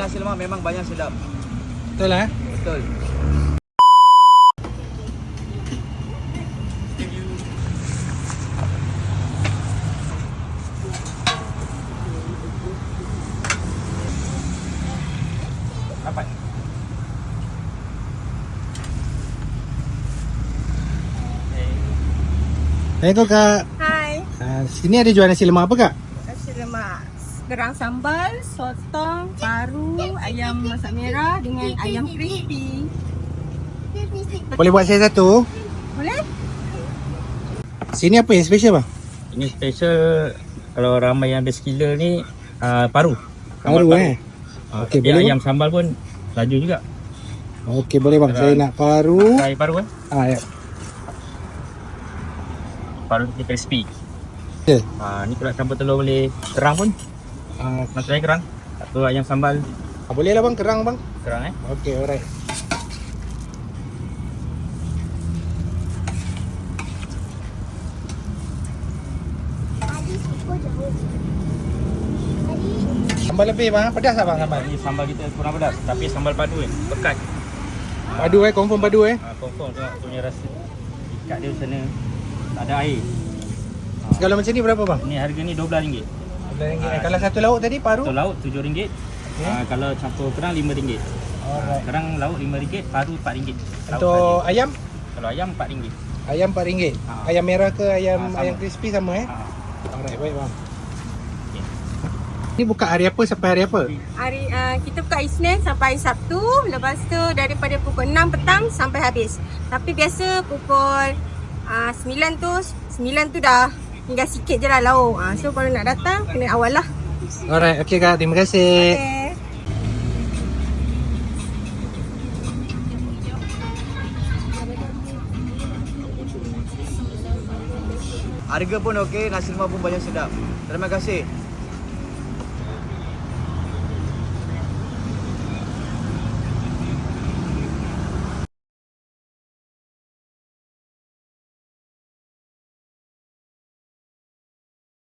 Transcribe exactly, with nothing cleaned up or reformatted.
nasi lemak memang banyak sedap. Betul lah. Betul. Dapat. Assalamualaikum Kak. Hai, Uh, sini ada jual nasi lemak apa Kak? nasi lemak gerang sambal, sotong, paru, ayam masak merah dengan ayam crispy. Boleh buat saya satu? Boleh? Sini apa yang special bang? Ini special kalau ramai yang ada skiller ni uh, paru. Paru eh. Uh, Okey, okay, boleh, ayam sambal pun laju juga. Okey boleh bang. Saya nak paru. Pakai paru kan? Ah ya. Paru ni crispy. Okay. Uh, ni kalau campur telur boleh kerang pun. Uh, Nak try kerang. Atau ayam sambal boleh lah bang, kerang bang. kerang eh. Okey, alright. Sambal lebih bang, pedas tak bang sambal? Ni sambal kita kurang pedas tapi sambal padu eh. Pekat. Padu eh, confirm padu eh. Uh, confirm tengok punya rasa. Ikat dia sana tak ada air. Kalau macam ni berapa bang? Ni harga ni dua belas ringgit. dua belas ringgit. Ah, Kalau satu lauk tadi paru? Satu lauk tujuh ringgit. Okey. Uh, kalau campur kerang lima ringgit. Alright. Kerang lauk lima ringgit, paru empat ringgit. Lauk Untuk saja. ayam? Kalau ayam empat ringgit. Ayam empat ringgit. Ah. Ayam merah ke ayam Ah, sama. ayam crispy sama eh? Ha. Alright, baik bang. Okey. Ni buka hari apa sampai hari apa? Hari uh, kita buka Isnin sampai Sabtu, lepas tu daripada pukul enam petang sampai habis. Tapi biasa pukul uh, sembilan tu, sembilan tu dah tinggal sikit je lah lauk. Uh, so kalau nak datang kena awal lah. Alright, okey kak, terima kasih. Okay. Harga pun okey, nasi lemak pun banyak sedap. Terima kasih.